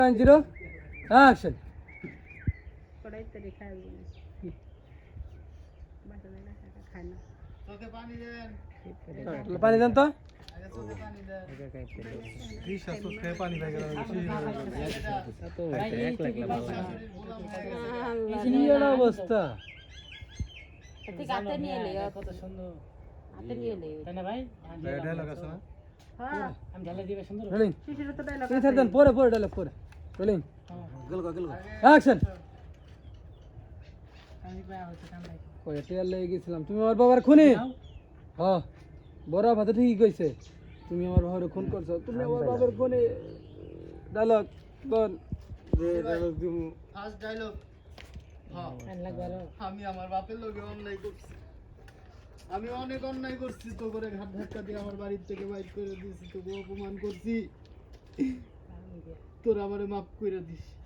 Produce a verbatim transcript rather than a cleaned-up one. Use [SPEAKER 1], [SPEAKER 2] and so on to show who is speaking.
[SPEAKER 1] Zero action.
[SPEAKER 2] কড়াইতে রেখে আসবেন বাসনে না টাকা খায় না
[SPEAKER 3] তোকে পানি দেন
[SPEAKER 1] পানি দেন তো।
[SPEAKER 3] আগে তোকে পানি দেন
[SPEAKER 4] ত্রিশা তো খেয়ে পানি পাই গেল
[SPEAKER 1] কি একটা অবস্থা।
[SPEAKER 2] ঠিক হাতে নিয়ে লে কত সুন্দর হাতে নিয়ে লে তাই না ভাই
[SPEAKER 4] ডায়লগ আছে না
[SPEAKER 2] হ্যাঁ আমি ঢালে দিবে সুন্দর
[SPEAKER 1] রোলিং
[SPEAKER 2] শিশির তো ডায়লগ
[SPEAKER 1] এই থার দেন পরে পরে ডায়লগ পরে রোলিং গলগা গলগা অ্যাকশন।
[SPEAKER 2] আমি পায়া হচ্ছে কামড়াই
[SPEAKER 1] কই টিয়ার লেগে গেছিলাম তুমি আমার বাবার খুনি। হ্যাঁ বড় ভাতে ঠিকই কইছে তুমি আমার বাবার খুন করছো তুমি আমার বাবার খুনি। ডায়লগ বল যে ডায়লগ দিমু
[SPEAKER 3] ফার্স্ট ডায়লগ হ্যাঁ
[SPEAKER 2] ডায়লগ বলো
[SPEAKER 3] আমি আমার বাপের লগে অন্যায় করছি আমি অনেক অন্যায় করছি তো করে ঘাট ধাক্কা দিয়ে আমার বাড়ির থেকে বাইর করে দিয়েছি তোকে অপমান করছি তোরা আমারে মাফ করে দিস